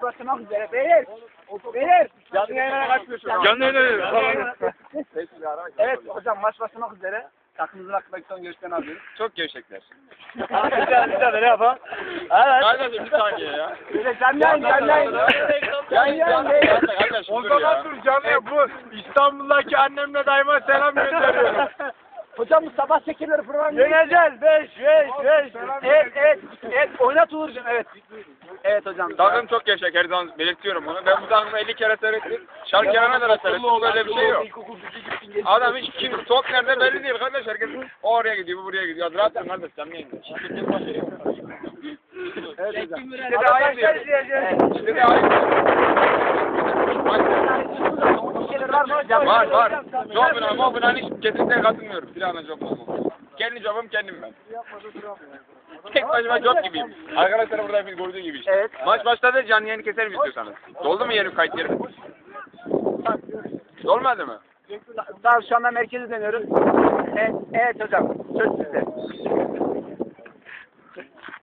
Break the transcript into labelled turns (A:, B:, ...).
A: başlamak üzere. Beyler. Beyler.
B: Canlı yayına kaçmıyorsun.
C: Canlı yayına.
A: Evet hocam maç başlamak üzere. Takımımızın hakkındaki son görüşlerini alıyoruz.
B: Çok gevşekler.
C: Bir ne yapalım?
A: Evet.
B: Kardeşim bir saniye ya.
A: Böyle canlı yayın.
B: Kardeşim
C: O
B: dur
C: zaman
B: ya.
C: dur canlı bu İstanbul'daki annemle dayıma selam gönderiyorum.
A: Hocam bu sabah şekerleri programı.
C: Yeneceğiz 5.
A: Evet. Oynat Uğur'cum evet. Evet hocam.
B: Takım çok gevşek her zaman belirtiyorum bunu. Ben bu takımı 50 kere seyrettim. Şarkılarına da seyrettim. Böyle bir şey yok. Adam hiç kim top nerede belli değil kardeş. Herkes o oraya gidiyor, bu buraya gidiyor. Rahat mı kardeş? Canlı yayında. Şirketin başı yok.
A: Evet hocam.
B: İşte de ayıp diyor. İşte de ayıp
A: Şeyler var mı hocam?
B: Var. Jobuna, mobuna hiç kesinlikle katılmıyorum. Silahla job mu? Kendi jobum kendim ben. Tek başıma job gibiyim. Arkadaşlar burada hepiniz gördüğü gibi işte.
A: Evet.
B: Maç başladı, canlı yayını keserim istiyorsanız. Doldu mu yerim kayıt yerim? Dolmadı mı?
A: Tamam şu anda merkeze dönüyoruz. Evet hocam. Söz sizde.